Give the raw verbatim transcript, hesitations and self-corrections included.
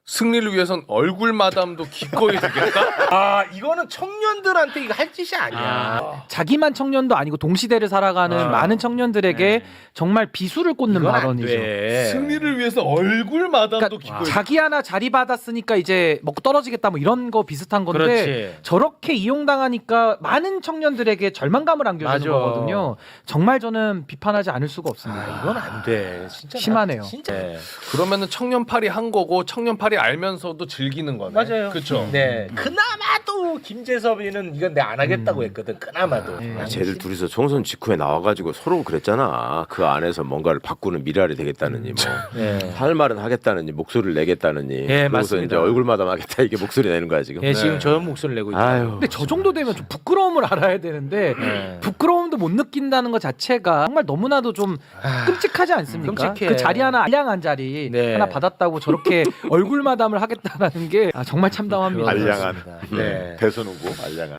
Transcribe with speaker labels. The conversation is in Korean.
Speaker 1: 승리를 위해선 얼굴 마담도 기꺼이 되겠다?
Speaker 2: 아 이거는 청년들한테 이거 할 짓이 아니야.
Speaker 3: 아, 자기만 청년도 아니고 동시대를 살아가는
Speaker 2: 아.
Speaker 3: 많은 청년들에게
Speaker 2: 네.
Speaker 3: 정말 비수를 꽂는
Speaker 2: 이건 안
Speaker 3: 발언이죠.
Speaker 2: 돼.
Speaker 1: 승리를 위해서 얼굴 마담도
Speaker 3: 그러니까
Speaker 1: 기꺼이
Speaker 3: 자기 하나 자리 받았으니까 이제 먹고 떨어지겠다 뭐 이런 거 비슷한 건데
Speaker 2: 그렇지.
Speaker 3: 저렇게 이용당하니까 많은 청년들에게 절망감을 안겨주는
Speaker 2: 맞아.
Speaker 3: 거거든요. 정말 저는 비판하지 않을 수가 없습니다.
Speaker 2: 아, 이건 안 돼. 진짜
Speaker 3: 심하네요.
Speaker 2: 나, 진짜. 네.
Speaker 1: 그러면은 청년팔이 한 거고 청년팔이 알면서도 즐기는 거네.
Speaker 2: 맞아요.
Speaker 1: 그렇죠.
Speaker 2: 네. 그나마도 김재섭이는 이건 내가 안 하겠다고
Speaker 3: 음.
Speaker 2: 했거든. 그나마도.
Speaker 3: 네.
Speaker 2: 아,
Speaker 4: 쟤들 둘이서 총선 직후에 나와가지고 서로 그랬잖아. 그 안에서 뭔가를 바꾸는 미랄이 되겠다느니 뭐.
Speaker 2: 네.
Speaker 4: 할 말은 하겠다느니 목소리를 내겠다느니.
Speaker 2: 예,
Speaker 4: 그러고서
Speaker 2: 맞습니다.
Speaker 4: 이제 얼굴마담 하겠다 이게 목소리 내는 거야 지금.
Speaker 2: 예, 지금
Speaker 1: 네.
Speaker 2: 저 목소리를 내고 있죠.
Speaker 4: 아유.
Speaker 3: 근데 저 정도 되면 좀 부끄러움을 알아야 되는데
Speaker 2: 네.
Speaker 3: 부끄러움도 못 느낀다는 것 자체가 정말 너무나도 좀
Speaker 2: 아,
Speaker 3: 끔찍하지 않습니까?
Speaker 2: 끔찍해.
Speaker 3: 그 자리 하나 알량한 자리
Speaker 2: 네.
Speaker 3: 하나 받았다고 저렇게 얼굴 마담을 하겠다라는 게 아, 정말 참담합니다.
Speaker 2: 그건
Speaker 4: 알량한.
Speaker 2: 그렇습니다. 네.
Speaker 4: 대선 후보 알량한.